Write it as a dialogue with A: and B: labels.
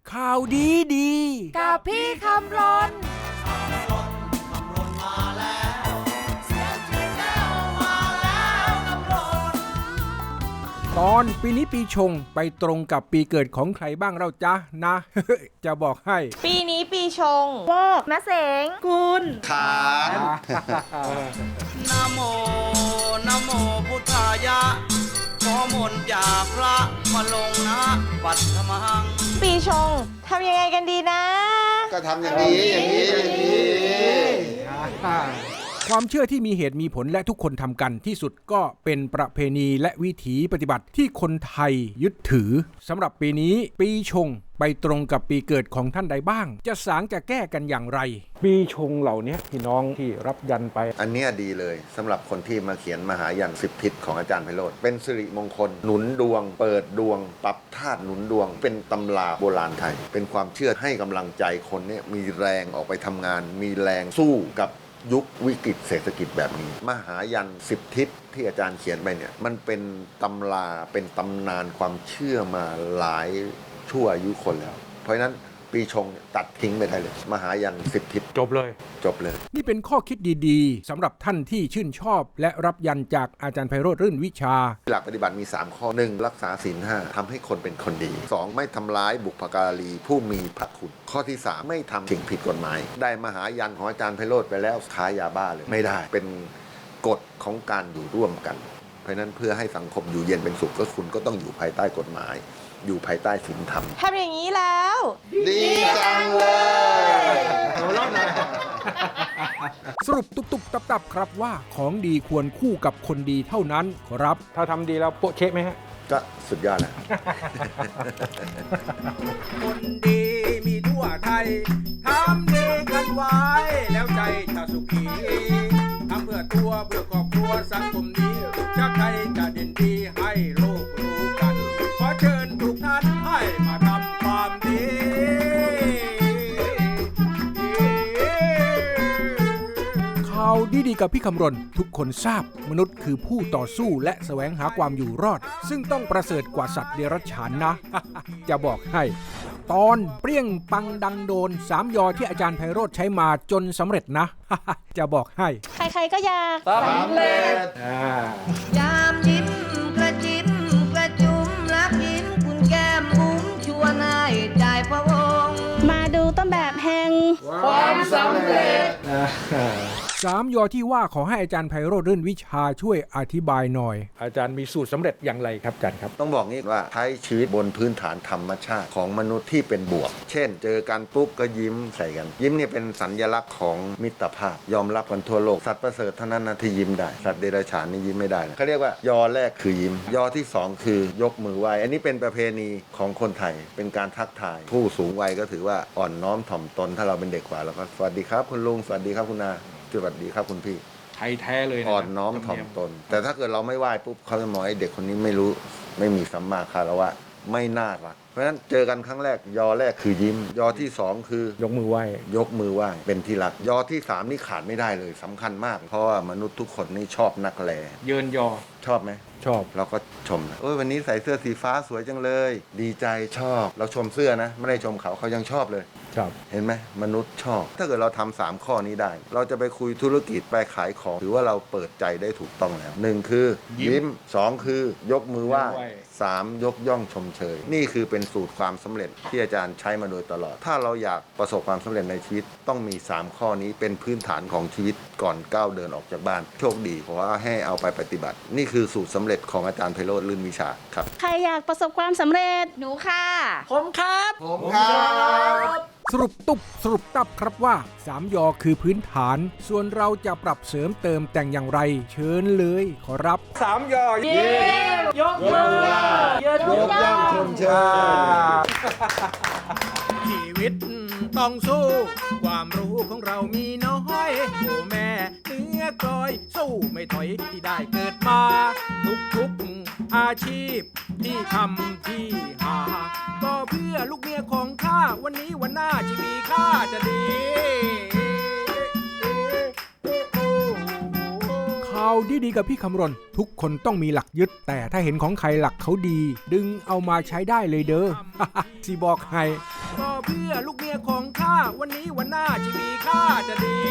A: ข่าวดีดี
B: กับพี่คำรน
A: ตอนปีนี้ปีชงไปตรงกับปีเกิดของใครบ้างเราจ๊ะนะ จะบอกให้
B: ปีนี้ปีชงวอกมะเสงกุล
C: ขานนะโมนะโมพุทธายะขอมนต์จากพระมาลงนะปัตถมัง
B: ปีชงทำยังไงกันดีนะ
C: ก็ทำอย่างนี้อย่างนี้
A: ความเชื่อที่มีเหตุมีผลและทุกคนทำกันที่สุดก็เป็นประเพณีและวิถีปฏิบัติที่คนไทยยึดถือสำหรับปีนี้ปีชงไปตรงกับปีเกิดของท่านใดบ้างจะสางจะแก้กันอย่างไรปีชงเหล่านี้พี่น้องที่รับยันไป
D: อันนี้ดีเลยสำหรับคนที่มาเขียนมหายัน10 ทิศของอาจารย์ไพโรจน์เป็นสิริมงคลหนุนดวงเปิดดวงปรับธาตุหนุนดวงเป็นตำราโบราณไทยเป็นความเชื่อให้กำลังใจคนเนี่ยมีแรงออกไปทำงานมีแรงสู้กับยุควิกฤตเศรษฐกิจแบบนี้มหายัน10 ทิศที่อาจารย์เขียนไปเนี่ยมันเป็นตำราเป็นตำนานความเชื่อมาหลายชั่วอายุคนแล้วเพราะฉะนั้นปีชงตัดทิ้งไปได้เลยมหายัน10 ทิศ
A: จบเลยนี่เป็นข้อคิดดีๆสำหรับท่านที่ชื่นชอบและรับยันจากอาจารย์ไพโรจน์รื่นวิชา
D: หลักปฏิบัติมี3ข้อ 1. รักษาศีล 5ทำให้คนเป็นคนดี 2. ไม่ทำร้ายบุพการีผู้มีพระคุณข้อที่ 3 ไม่ทำสิ่งผิดกฎหมายได้มหายันของอาจารย์ไพโรจน์ไปแล้วค้ายาบ้าเลยไม่ได้เป็นกฎของการอยู่ร่วมกันเพราะนั้นเพื่อให้สังคมอยู่เย็นเป็นสุขก็คุณก็ต้องอยู่ภายใต้กฎหมายอยู่ภายใต้ศีลธรรม
B: ทำอย่างนี้แล้ว
D: ดีจังเลย
A: สรุปตุบๆตับๆครับว่าของดีควรคู่กับคนดีเท่านั้นครับถ้าทำดีแล้วโปะเช๊ะไหมฮะ
D: ก็สุดยอดแล้ว
A: คนดีมีทั่วไทยทำดีกันไว้แล้วใจจะสุขีทำเพื่อตัวเพื่อครอบครัวสังคมนี้ชาติไทยจะเด่นดีให้โลกรู้กันขอเชิญทุกท่านให้มาทำความดีข่าวดีๆกับพี่คำรณทุกคนทราบมนุษย์คือผู้ต่อสู้และแสวงหาความอยู่รอดซึ่งต้องประเสริฐกว่าสัตว์เดรัจฉานนะ จะบอกให้ตอนเปรี้ยงปังดังโดน3 ยอที่อาจารย์ไพโรจน์ใช้มาจนสำเร็จนะ จะบอกให้
B: ใครๆก็อยาก
C: สำเร็จ
E: ยามยิ้มกระจิ้มกระจุมรักยิ้มคุณแก้มบุ้มชวนให้ใจพะวง
B: มาดูต้นแบบแห่ง
C: ความสำเร็จ
A: 3 ยอที่ว่าขอให้อาจารย์ไพโรจน์รื่นวิชาช่วยอธิบายหน่อยอาจารย์มีสูตรสำเร็จอย่างไรครับอาจารย์ครับ
D: ต้องบอกงี้ว่าใช้ชีวิตบนพื้นฐานธรรมชาติของมนุษย์ที่เป็นบวกเช่นเจอกันปุ๊บก็ยิ้มใส่กันยิ้มเนี่ยเป็นสัญลักษณ์ของมิตรภาพยอมรับกันทั่วโลกสัตว์ประเสริฐเท่านั้นนะที่ยิ้มได้สัตว์เดรัจฉานนี่ยิ้มไม่ได้เขาเรียกว่ายอแรกคือยิ้มยอที่2คือยกมือไหว้อันนี้เป็นประเพณีของคนไทยเป็นการทักทายผู้สูงวัยก็ถือว่าอ่อนน้อมถ่อมตนถ้าเราเป็นเด็กกว่าเราก็สวัสดีครับคุณลุงสวัสดีครับคุณนาสวัสดีครับคุณพี่
A: ไทยแท้เลย
D: อ่อนน้อมถ่อมตนแต่ถ้าเกิดเราไม่ไหว้ปุ๊บเขาจะมองไอ้เด็กคนนี้ไม่รู้ไม่มีสัมมาคารวะไม่น่ารักเพราะฉะนั้นเจอกันครั้งแรกยอแรกคือยิ้มยอที่2คือย
A: กมือไหว้
D: เป็นที่รักยอที่3นี่ขาดไม่ได้เลยสำคัญมากเพราะว่ามนุษย์ทุกคนนี่ชอบนักแล
A: เยินยอ
D: ชอบไหม
A: ชอบ
D: เราก็ชมนะวันนี้ใส่เสื้อสีฟ้าสวยจังเลยดีใจชอบเราชมเสื้อนะไม่ได้ชมเขายังชอบเลยเห็นไหมมนุษย์ชอบถ้าเกิดเราทำ3 ข้อนี้ได้เราจะไปคุยธุรกิจไปขายของถือว่าเราเปิดใจได้ถูกต้องแล้ว1คือยิ้ม2คือยกมือไหว้3ยกย่องชมเชยนี่คือเป็นสูตรความสำเร็จที่อาจารย์ใช้มาโดยตลอดถ้าเราอยากประสบความสำเร็จในชีวิตต้องมี3 ข้อนี้เป็นพื้นฐานของชีวิตก่อนก้าวเดินออกจากบ้านโชคดีเพราะว่าให้เอาไปปฏิบัตินี่คือสูตรสำเร็จของอาจารย์ไพโรจน์รื่นวิชาครับ
B: ใครอยากประสบความสำเร็จหนูค่ะ
C: ผมครับ
A: สรุปตับครับว่า3 ยอคือพื้นฐานส่วนเราจะปรับเสริมเติมแต่งอย่างไรเชิญเลยขอรับ
C: 3 ยอ
B: เย้ยกมือ
C: ยกย่องชมเชย
A: ชีวิตต้องสู้ความรู้ของเรามีน้อยโอ้แม่เนื้อกลอยสู้ไม่ถอยที่ได้เกิดมาทุกอาชีพที่ทำที่หาก็เพื่อลูกเมียของข้าวันนี้วันหน้าชีวิตข้าจะดีข่าวดีๆกับพี่คำรณทุกคนต้องมีหลักยึดแต่ถ้าเห็นของใครหลักเขาดีดึงเอามาใช้ได้เลยเด้อ สิบอกให้ก็เพื่อลูกเมียของข้าวันนี้วันหน้าชีวิตข้าจะดี